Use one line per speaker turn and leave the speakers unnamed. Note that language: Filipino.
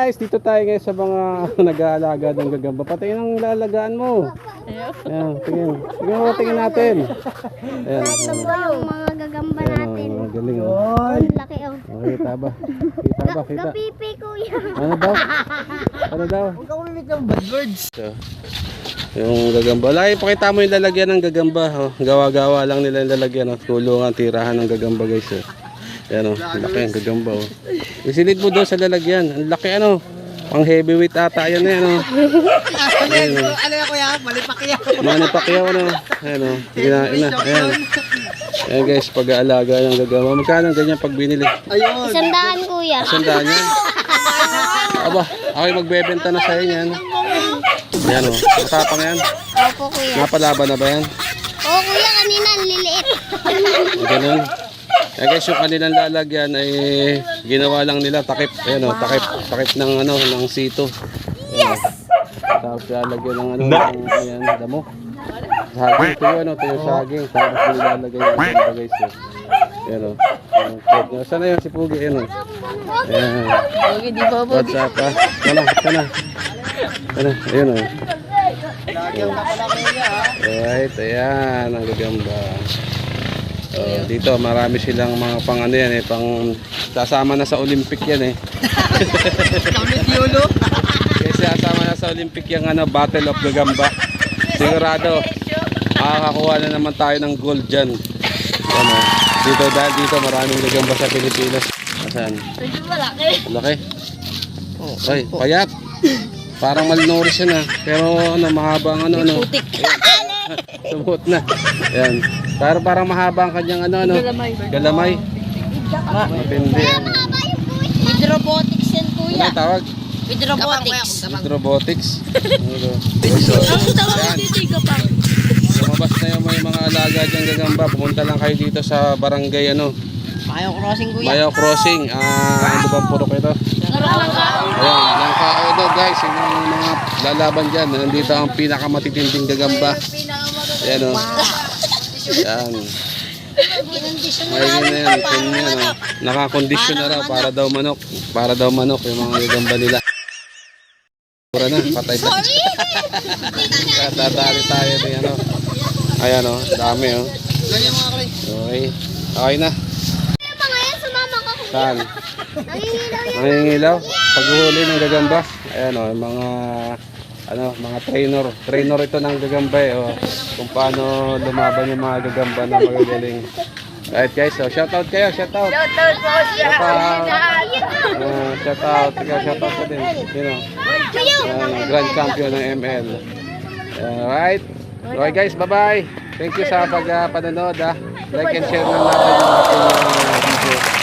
guys, dito tayo ngayon sa mga nag-aalaga ng gagamba. Patayin ang lalagaan mo. Ayan, tingin. Tingin natin. Ayan.
Ito po yung mga gagamba natin.
Ayan, galing oh.
Ang laki oh.
Kita ba? Kita ba? Kita.
Kapipi kuya.
Ano daw? Ano daw?
Huwag ka umimik ng bad words.
So, yung gagamba. Lagi pakita mo yung lalagyan ng gagamba. Oh. Gawa-gawa lang nila yung lalagyan. Oh. Kulungan, tirahan ng gagamba guys. Oh. Ayan o, laki ang gagamba o. Isilid mo doon sa lalagyan. Ang laki ano. Pang heavyweight ata yan yan o.
Ano yan kuya? Malipakya.
Manipakyaw ano. Ayan o. Ayan. Ayan guys, pag-aalaga ng gagamba. Magkano ang ganyan pag binili?
Ayun.
100 kuya.
100 yan. Aba, ako'y magbebenta na sa'yo yan. Ayan o. Matapang yan.
Opo kuya.
Napalaban na ba yan?
Oo kuya, kanina ang liliit.
Ganun. Eh guys, yung kanilang lalagyan ay ginawa lang nila takip. Ayan o, takip ng ano, ng sito. Yes! Tapos lalagyan ng ano, ng ayan, damo. Saging, ito yung ano, ito yung saging. Tapos nilalagay yung ganda guys. Ayan o. Saan na yun si Pugi? Ayan o. Ayan.
Pugi, di ba Pugi?
What's up ha? Sana. Ayan o. Alright, ayan ang gagamba. Dito marami silang mga pang ano yan eh, pang sasama na sa Olympic yan eh.
Kamit yolo.
Kasi sasama na sa Olympic yung ano, Battle of Gagamba. Sigurado makakakuha na naman tayo ng gold dyan. Ano, dito dahil dito maraming gagamba sa Pilipinas. Asan?
Medyo malaki.
Laki. Ay, payat. Parang malnourished yan ah. Pero ano, mahaba ang ano.
Putik.
Sumuot na. Ayan. Parang mahaba ang kanyang ano. Galamay. Mapindi yan.
With robotics yan kuya.
Ano tawag?
With robotics.
With robotics. Ayan. Lumabas na yung may mga alaga dyan gagamba. Pumunta lang kayo dito sa barangay ano.
Mayo crossing kuya.
Mayo Crossing. Ano bang puro kayo to? Ayan. Langkao daw guys. Yung mga lalaban dyan. Nandito ang pinakamatitinding gagamba. Ayan o. Ayan. Maigin na yan. Yan, oh. Nakakondisyon na raw para daw manok. Para daw manok yung mga gagamba nila. Pura na. Patay na. Tatali tayo din ano. Ayan o. Dami o.
Ganyan mga kare.
Okay. Okay na.
Mga yan, sumama ka kuya.
Saan?
Nangingilaw yan.
Nangingilaw. Paghuhuli ng gagamba. Ayan o. Mga mga trainer ito ng gagamba eh, oh. Kung paano lumaban yung mga gagamba na magagaling. Alright guys, so shoutout kayo, shoutout.
Shoutout po siya.
Shoutout ko din. Grand champion ng ML. Alright. Okay guys, bye-bye. Thank you sa pagpanonood. Like and share na natin yung ating video.